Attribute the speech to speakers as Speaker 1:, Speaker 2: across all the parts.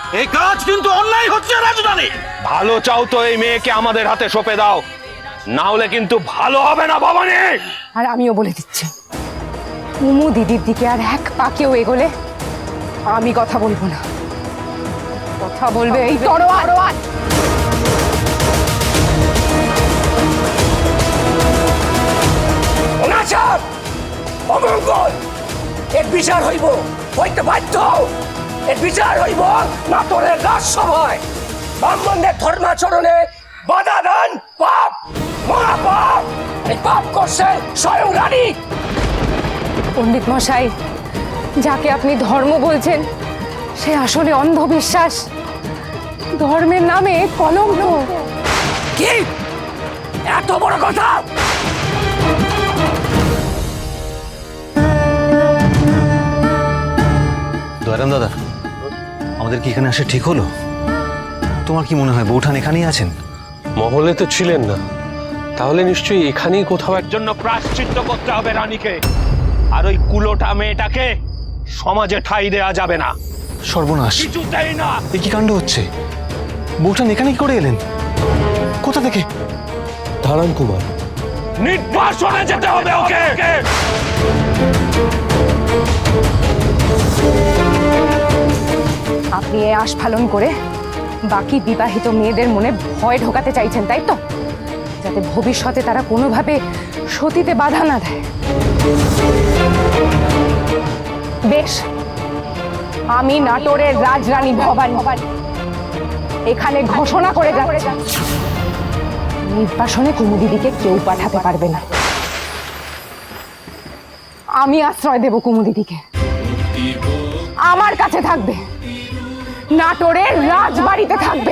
Speaker 1: এই কাজ কিন্তু অন্যায় হচ্ছে রাজধানী।
Speaker 2: ভালো চাও তো এই মেয়েকে আমাদের হাতে সঁপে দাও, না হলে কিন্তু ভালো হবে না ভবানী।
Speaker 3: আর আমিও বলে দিচ্ছি, কুমু দিদির দিকে আর এক পা কেউ এগোলে আমি কথা বলবো না, কথা বলবে এই তরোয়ার।
Speaker 4: অনাচার অমঙ্গল এর বিচার হইব, হইতে বাধ্য। এর বিচার হইব নাটোরের রাজসভায়। ব্রাহ্মণদের ধর্মাচরণে বাধা দান পাপ, মহাপাপ। এই পাপ করছে স্বয়ং রানী।
Speaker 3: পণ্ডিত মশাই, যাকে আপনি ধর্ম বলছেন সে আসলে অন্ধবিশ্বাস, ধর্মের নামে কলঙ্ক।
Speaker 4: কি এত বড় কথা?
Speaker 5: দয়ারাম দাদা, আমাদের কি এখানে আসা ঠিক হলো? তোমার কি মনে হয় বৌঠান এখানেই আছেন?
Speaker 2: মহলে তো ছিলেন না, তাহলে নিশ্চয়ই এখানেই কোথাও জন্য প্রায়শ্চিত্ত করতে হবে রানীকে। আর ওই কুলোটা মেয়েটাকে সমাজে ঠাঁই দেয়া যাবে না।
Speaker 5: সর্বনাশ,
Speaker 2: কিছুতেই না।
Speaker 5: এ কি কাণ্ড হচ্ছে? বৌঠান এখানে কি করে এলেন? কোথা থেকে?
Speaker 2: দাঁড়ান কুমার, নির্বাসনে যেতে হবে ওকে।
Speaker 3: আপনি এ আস্ফালন করে বাকি বিবাহিত মেয়েদের মনে ভয় ঢোকাতে চাইছেন, তাই তো? যাতে ভবিষ্যতে তারা কোনোভাবে সতীতে বাধা না দেয়। বেশ, আমি নাটোরের রাজরানী ভবানী এখানে ঘোষণা করে যাচ্ছি, নির্বাসনে কুমুদিদিকে কেউ পাঠাতে পারবে না। আমি আশ্রয় দেব কুমুদিদিকে, আমার কাছে থাকবে, নাটোরের রাজবাড়িতে থাকবে।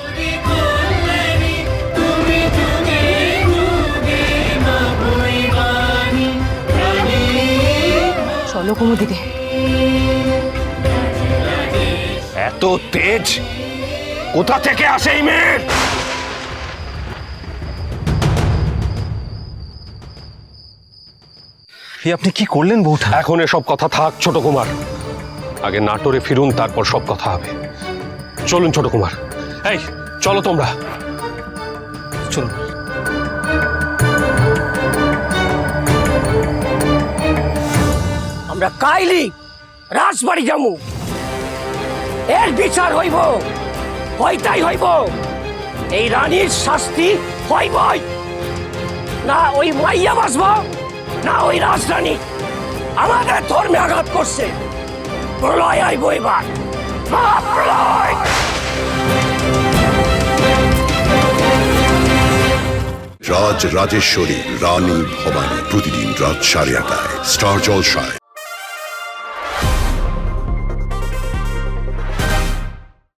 Speaker 3: চলো কুমুদিদি।
Speaker 2: এত তেজ কোথা থেকে আসে এই মেয়ের?
Speaker 5: আপনি কি করলেন বৌঠান?
Speaker 2: এখন এসব কথা থাক ছোট কুমার, আগে নাটোরে ফিরুন, তারপর সব কথা হবে। চলুন ছোট কুমার, এই চলো তোমরা।
Speaker 5: চলুন।
Speaker 4: আমরা কাইলি রাজবাড়ি যামু, এর বিচার হইব, হইতাই হইব। এই রানীর শাস্তি হইবই, না ওই মাইয়া বাসব, না ওই রাজরানী। আমাদের ধর্মে আঘাত করছে, প্রলয় আইব এবার, মহাপ্রলয়।
Speaker 6: রাজ রাজেশ্বরী রানী ভবানী, প্রতিদিন রাত 8:30টায় স্টার জলসায়।